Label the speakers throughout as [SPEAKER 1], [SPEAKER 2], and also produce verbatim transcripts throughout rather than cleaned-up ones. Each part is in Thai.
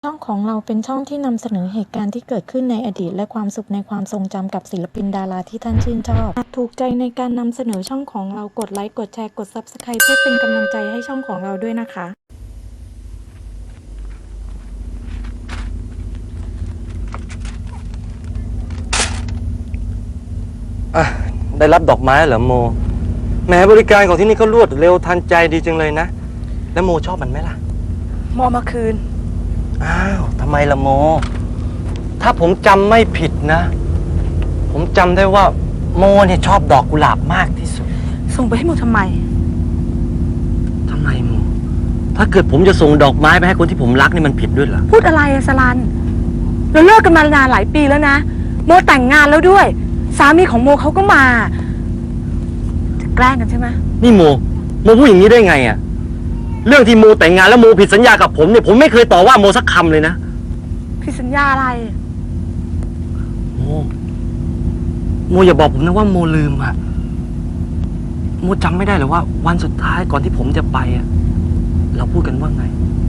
[SPEAKER 1] ช่องของเราเป็นช่องที่นำเสนอเหตุการณ์ที่เกิดขึ้นในอดีตและความสุขในความทรงจำกับศิลปินดาราที่ท่านชื่นชอบหากถูกใจในการนำเสนอช่องของเรากดไลค์กดแชร์กด ซับสไครบ์ เพื่อเป็นกำลังใจให้ช่องของเราด้วยนะคะ
[SPEAKER 2] อ่ะได้รับดอกไม้เหรอโมแหมบริการของที่นี่ก็รวดเร็วทันใจดีจังเลยนะแล้วโมชอบมันไหมล่ะ
[SPEAKER 3] โมมาคืน
[SPEAKER 2] อ้าวทำไมล่ะโมถ้าผมจำไม่ผิดนะผมจำได้ว่าโมเนี่ยชอบดอกกุหลาบมากที่สุด
[SPEAKER 3] ส่งไปให้โมทำไม
[SPEAKER 2] ทำไมโมถ้าเกิดผมจะส่งดอกไม้ไปให้คนที่ผมรักนี่มันผิดด้วยเหรอ
[SPEAKER 3] พูดอะไรอะสลันเราเลิกกันมานานหลายปีแล้วนะโมแต่งงานแล้วด้วยสามีของโมเขาก็มาจะแกล้งกันใช่ไหม
[SPEAKER 2] นี่โมโมพูดอย่างนี้ได้ไงอะเรื่องที่โมแต่งงานแล้วโมผิดสัญญากับผมเนี่ยผมไม่เคยต่อว่าโมสักคำเลยนะ
[SPEAKER 3] ผิดสัญญาอะไร
[SPEAKER 2] โมโมอย่าบอกผมนะว่าโมลืมอะโมจำไม่ได้หรือว่าวันสุดท้ายก่อนที่ผมจะไปอะเราพูดกันว่าไง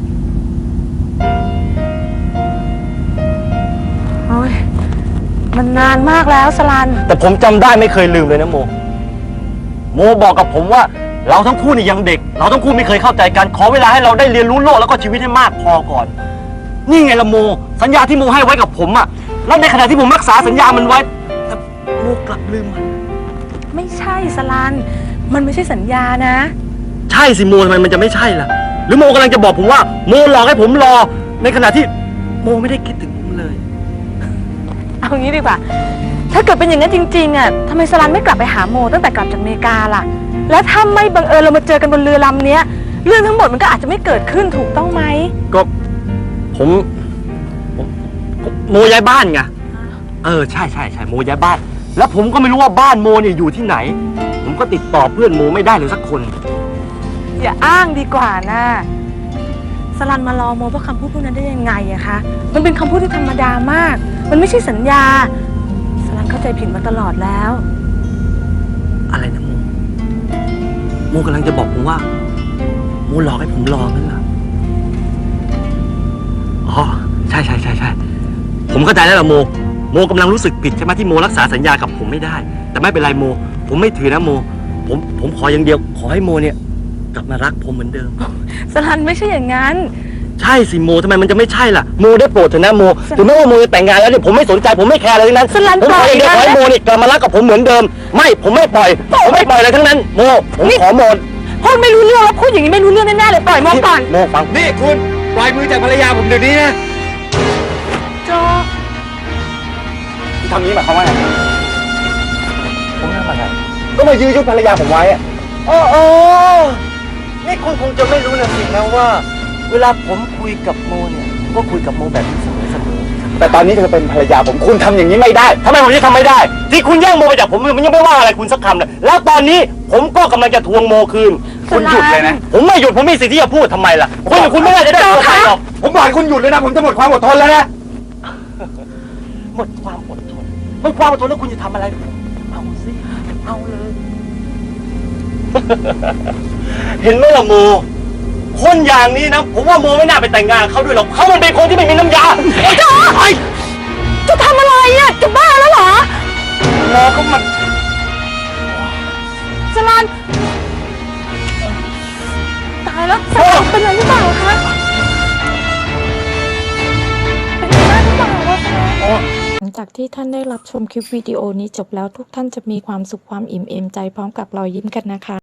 [SPEAKER 3] โอ้ยมันนานมากแล้วสลัน
[SPEAKER 2] แต่ผมจำได้ไม่เคยลืมเลยนะโมโมบอกกับผมว่าเราทั้งคู่นี่ยังเด็กเราทั้งคู่ไม่เคยเข้าใจกันขอเวลาให้เราได้เรียนรู้โลกแล้วก็ชีวิตให้มากพอก่อนนี่ไงละโมสัญญาที่โมให้ไว้กับผมอะแล้วในขณะที่ผมรักษาสัญญามันไว้แต่โมกลับลืมมัน
[SPEAKER 3] ไม่ใช่สลันมันไม่ใช่สัญญานะ
[SPEAKER 2] ใช่สิโมทำไมมันจะไม่ใช่ล่ะหรือโมกำลังจะบอกผมว่าโมหลอกให้ผมรอในขณะที่โมไม่ได้คิดถึงผมเลย
[SPEAKER 3] เอางี้ดีกว่าถ้าเกิดเป็นอย่างนั้นจริงๆอ่ะทำไมสลันไม่กลับไปหาโมตั้งแต่กลับจากอเมริกาล่ะแล้วถ้าไม่บังเอิญเรามาเจอกันบนเรือลำนี้เรื่องทั้งหมดมันก็อาจจะไม่เกิดขึ้นถูกต้องไหม
[SPEAKER 2] ก็ผมโมย้ายบ้านไงเออใช่ใช่ใช่โมย้ายบ้านแล้วผมก็ไม่รู้ว่าบ้านโมเนี่ยอยู่ที่ไหนผมก็ติดต่อเพื่อนโมไม่ได้เลยสักคน
[SPEAKER 3] อย่าอ้างดีกว่านะสลันมารอโมเพราะคำพูดพวกนั้นได้ยังไงอะคะมันเป็นคำพูดที่ธรรมดามากมันไม่ใช่สัญญาสลันเข้าใจผิดมาตลอดแล้ว
[SPEAKER 2] อะไรนะโมโมกำลังจะบอกผมว่าโมหลอกให้ผมรอนั่นเหรออ๋อใช่ใช่ใช่ใช่ผมเข้าใจแล้วล่ะโมโมกำลังรู้สึกผิดใช่ไหมที่โมรักษาสัญญากับผมไม่ได้แต่ไม่เป็นไรโมผมไม่ถือนะโมผมผมขออย่างเดียวขอให้โมเนี่ยกลับมารักผมเหมือนเดิม
[SPEAKER 3] สลันไม่ใช่อย่างนั้น
[SPEAKER 2] ใช่สิโมทำไมมันจะไม่ใช่ล่ะโมได้โปรดเถอะนะโมถึงแม้ว่าโมจะแต่งงานแล้วเนี่ยผมไม่สนใจผมไม่แคร์อะไรทั้งนั้นผมขออย่างเดียวขอให้โมเนี่ยกลับมารักกับผมเหมือนเดิมไม่ผมไม่ปล่อยผมไม่ปล่อยอะไรทั้งนั้นโมผมขอโม
[SPEAKER 3] พูดไม่รู้เรื่องแล้วพูดอย่างนี้ไม่รู้เรื่องแน่ๆเลยปล่อยโมก่อน
[SPEAKER 2] โมฟังนี่คุณปล่อยมือจากภรรยาผมเดี๋ยวนี้นะ
[SPEAKER 3] โจ
[SPEAKER 2] ที่ทำนี้หมายความว่าไงผมทำอะไรก็มายื้อยุดภรรยาผมไว้อะโอ้โอ้นี่คุณคงจะไม่รู้นะสินะว่าเวลาผมคุยกับโมเนี่ยก็คุยกับโมแบบนี้เสมอเสมอแต่ตอนนี้เธอเป็นภรรยาผมคุณทำอย่างนี้ไม่ได้ทำไมผมจะทำไม่ได้ที่คุณแย่งโมไปจากผมมันยังไม่ว่าอะไรคุณสักคำเลยแล้วตอนนี้ผมก็กำลังจะทวงโมคืนคุณหยุดเลยนะผมไม่หยุดผมมีสิทธิ์ที่จะพูดทำไมล่ะคุณอย่างคุณไม่น่าจะได้ตัวใครหรอกผมบอกให้คุณหยุดเลยนะผมจะหมดความอดทนแล้วนะหมดความอดทนหมดความอดทนแล้วคุณจะทำอะไรเอาสิเอาเลยเห็นไหมล่ะโมคนอย่างนี้นะผมว่าโมไม่น่าไปแต่งงานเขาด้วยหรอกเขามันเป็นคนที่ไม่มีน้ำยา
[SPEAKER 3] จะจะทำอะไรอ่ะจะบ้าแล้วเหรอ
[SPEAKER 2] โมก็มัน
[SPEAKER 3] สลันตายแล้วสลันเป็นอะไรหรือเปล่าคะเป็นอะไรหรือเปล่าวะ
[SPEAKER 1] หลังจากที่ท่านได้รับชมคลิปวิดีโอนี้จบแล้วทุกท่านจะมีความสุขความอิ่มเอมใจพร้อมกับรอยยิ้มกันนะคะ